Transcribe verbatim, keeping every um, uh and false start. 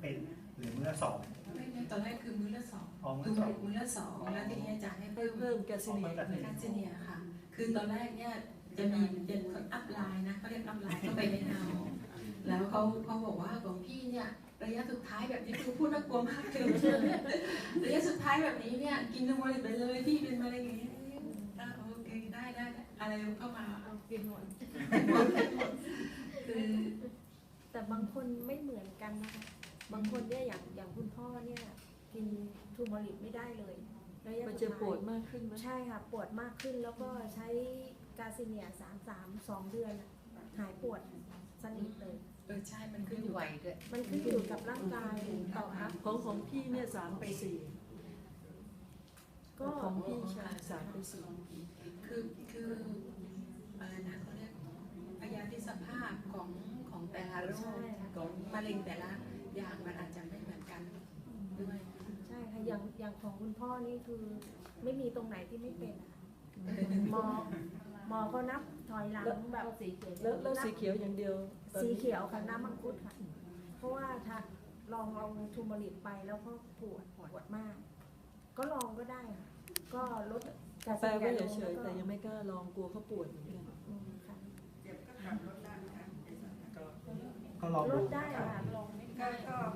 เป็นหรือมื้อละสองไม่ไม่ตอนแรกคือมื้อละสองอ๋อมื้คืออละสองมื้อละสองแล้วทีนี้อาจารย์ให้เพิ่เพิ่มมเพิ่มแกสเซียอ๋อเพิ่มแกสเซีกาเซเนียค่ะ คือตอนแรกเนี่ยจะมีจะอัพไลน์นะเขาเรียกอัพไลน์เข้าไปในเอาแล้วเขาเขาบอกว่าของพี่เนี่ยระยะสุดท้ายแบบนี้คือพูดน่ากลัวมากเลยระยะสุดท้ายแบบนี้เนี่ยกินทั้งวันไปเลยพี่เป็นมะเร็งอย่างนี้อ่ะโอเคได้ได้ได้อะไรเข้ามาเอากินหมดคือแต่บางคนไม่เหมือนกันนะคะบางคนเนี่ยอย่างอย่างคุณพ่อเนี่ยกินทูมอริกไม่ได้เลยระยะมันสุจะดท้ายปวดมากขึ้นไหมใช่ค่ะปวดมากขึ้นแล้วก็ใช้กาซิเนียสามสามสองเดือนอะหายปวดสนิทเลยเออใช่มันขึ้นอยู่ไหวด้วยมันขึ้นอยู่กับร่างกายต่อครับของของพี่เนี่ยสามไปสี่ก็ของพี่ชายสามไปสี่คือคืออะไรนะเขาเรียกพยาธิสภาพของของแต่ละโรคของมะเร็งแต่ละอย่างมันอาจจะไม่เหมือนกันด้วยใช่ค่ะอย่างอย่างของคุณพ่อนี่คือไม่มีตรงไหนที่ไม่เป็นอะหมอหมอก็นับถอยหลังแบบสีเขียวแล้วแล้วสีเขียวอย่างเดียวตอนสีนี้เขียวกับน้ำมังคุดค่ะ เพราะว่าถ้าลองเอาทูมอริกไปแล้วก็ปวดปวดมาก ก็ลองก็ได้ค่ะ ก็ลดกาแปลว่าลงเฉยๆล้วก็แต่ยังไม่กล้าลองกลัวเขาปวดเหมือนกันอืมค่ะก็ลองลดูดได้ค่ะลองไม่ได้